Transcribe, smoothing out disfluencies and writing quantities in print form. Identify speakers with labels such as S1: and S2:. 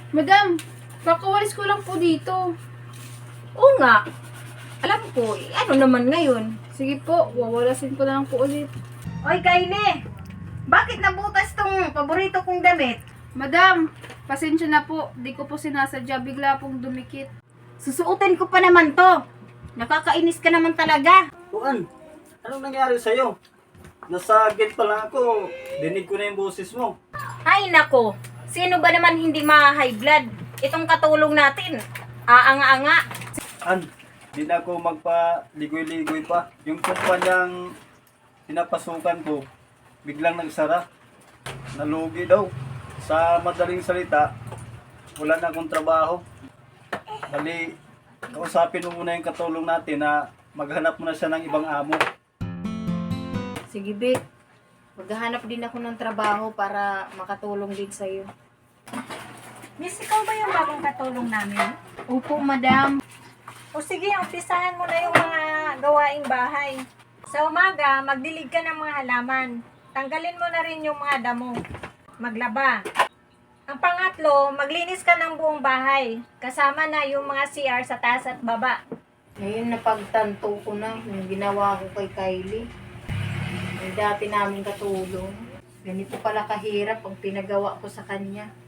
S1: Madam, kakawalis ko lang po dito.
S2: Oo nga. Alam ko, ano naman ngayon?
S1: Sige po, wawalasin ko na lang po ulit.
S2: Oy, Kylie! Bakit nabutas tong paborito kong damit?
S1: Madam, pasensya na po. Di ko po sinasadya. Bigla pong dumikit.
S2: Susuotin ko pa naman to. Nakakainis ka naman talaga.
S3: Tuan, anong nangyari sa'yo? Nasa gate pa lang ako, dinig ko na yung boses mo.
S2: Ay nako, sino ba naman hindi ma-high blood? Itong katulong natin. Aanga-anga.
S3: An, di na ako magpa-ligoy-ligoy pa. Yung kumpanyang pinapasukan ko, biglang nagsara. Nalugi daw. Sa madaling salita, wala na akong trabaho. Bali, kausapin mo muna yung katulong natin na maghanap mo na siya ng ibang amo.
S2: Sige, Vic. Maghahanap din ako ng trabaho para makatulong din sa'yo.
S4: Miss, ikaw ba yung bagong katulong namin?
S2: Opo, madam.
S4: O sige, umpisahan mo na yung mga gawaing bahay. Sa umaga, magdilig ka ng mga halaman. Tanggalin mo na rin yung mga damo. Maglaba. Ang pangatlo, maglinis ka ng buong bahay. Kasama na yung mga CR sa taas at baba.
S2: Ngayon napagtanto ko na yung ginawa ko kay Kylie. Yung dati namin katulong. Ganito pala kahirap ang pinagawa ko sa kanya.